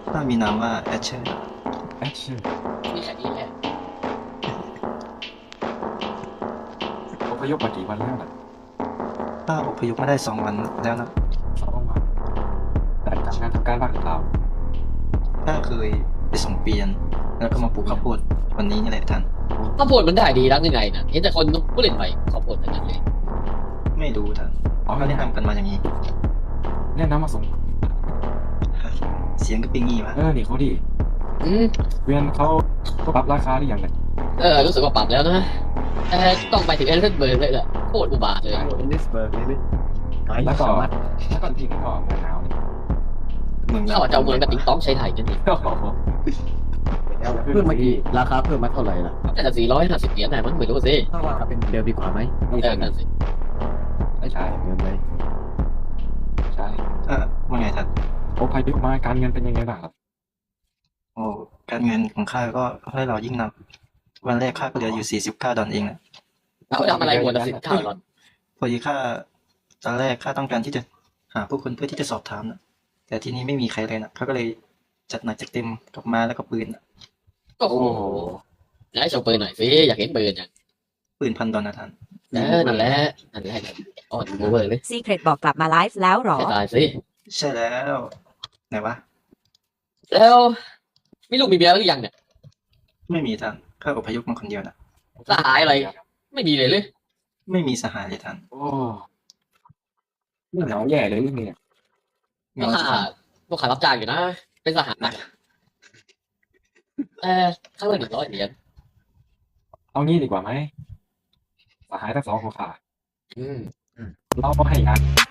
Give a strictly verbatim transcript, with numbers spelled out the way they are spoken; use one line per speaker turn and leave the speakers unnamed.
ข้ามีนามว่าแอชเชอร์
แอชเชอร์
มีแค่นี้แหละ
อพยพมากี่วันแล้วล่ะ
ข้าอพยพมาได้สองวันแล้วนะ
สองวันแต่ทำงานทำการบ้านหรือเปล่า
ข้าเคยไปส่งเปลี่ยนแล้วก็มาปลูกข้าวโพดวันนี้นี่แหละท่าน
ข้าวโพดมันได้ดีรักยังไงนะเห็นแต่คนผู้เล่นใหม่ข้าวโพดทั้งนั้นเลย
ไม่รู้ท่าน
อ๋อ
เขาแนะนำกันมาอย่างนี้
แนะนำมาส่ง
เสียงก็เป็นงี้วะ
เออนี่เขาดี
อืม
เวียนเขาก็ปรับราคาหรือยังเนี่ย
เออรู้สึกว่าปรับแล้วนะแต่ต้องไปถึงเอลิซเบิร์กเลยแหละโคตรอุบาทเลย
เอลิสเบิร์กเลยดิไกด์
แล้วก็
สามารถ
แล้วก็ที่นี่ก็เมืองหนาวนี่
เมือง
เข้าเจ้าเมืองกับติ๊งต้องใช้ไทยกันดิ
โอ้โห
เพิ่มมากี่ราคาเพิ่มมาเท่าไหร่ล่ะ
แต่สี่ร้อยห้าสิบเหรียญไหนมันไม่รู้สิ
ถ้าว่าเป็นเดิมดีกว่าไหม
นี่
เอ
ใช่
อนั่นสิ
ไม่ใช่
เดิมเลย
ใช่
เออว่าไงท่าน
อพยพมาการเงินเป็นยังไงบ้างครับ
โอ้การเงินของข้าก็ให้เรายิ่งนับวันแรกข้าก็เหลืออยู่สี่สิบเก้าดอลลาร์เองนะ
เขาทำอะไรหมดละสิบเก้าหรอน
พอดีข้าตอนแรกข้าต้องการที่จะหาผู้คนเพื่อที่จะสอบถามนะแต่ที่นี้ไม่มีใครเลยนะเขาก็เลยจัดหนักจัดเต็มกับมาแล้วก็ปืนนะ
โอ้โหไหนโชว์ปืนหน่อยสิอยากเห็นปืนอย่าง
ปืนพันดอลนะท่าน
เออนั่นแหละนั่นแหละอ่อนโอเวอร์เลย
ซีเครตบอกกลับมาไลฟ์แล้วเหรอ
ให้ตายสิ
ใช่แล้วไหนวะ
แล้วมีลูกมีเมียหรือยังเนี่ย
ไม่มีท่านข้าอพยพมาคนเดียวนะ
สหายอะไรไม่มีเลยเลย
ไม่มีสหายเลยท่าน
โอ้เหงาแย่เลยเรื่องนี้
เห
พวก
งา
ข้า
สิท่าน
พวกข้ารับจ้างอยู่นะเป็นสหายเออข้างละหนึ่งร้อยเหรียญ
เอางี้ดีกว่าไหมสหายทั้งสองของข้า
อืม
เราให้งาน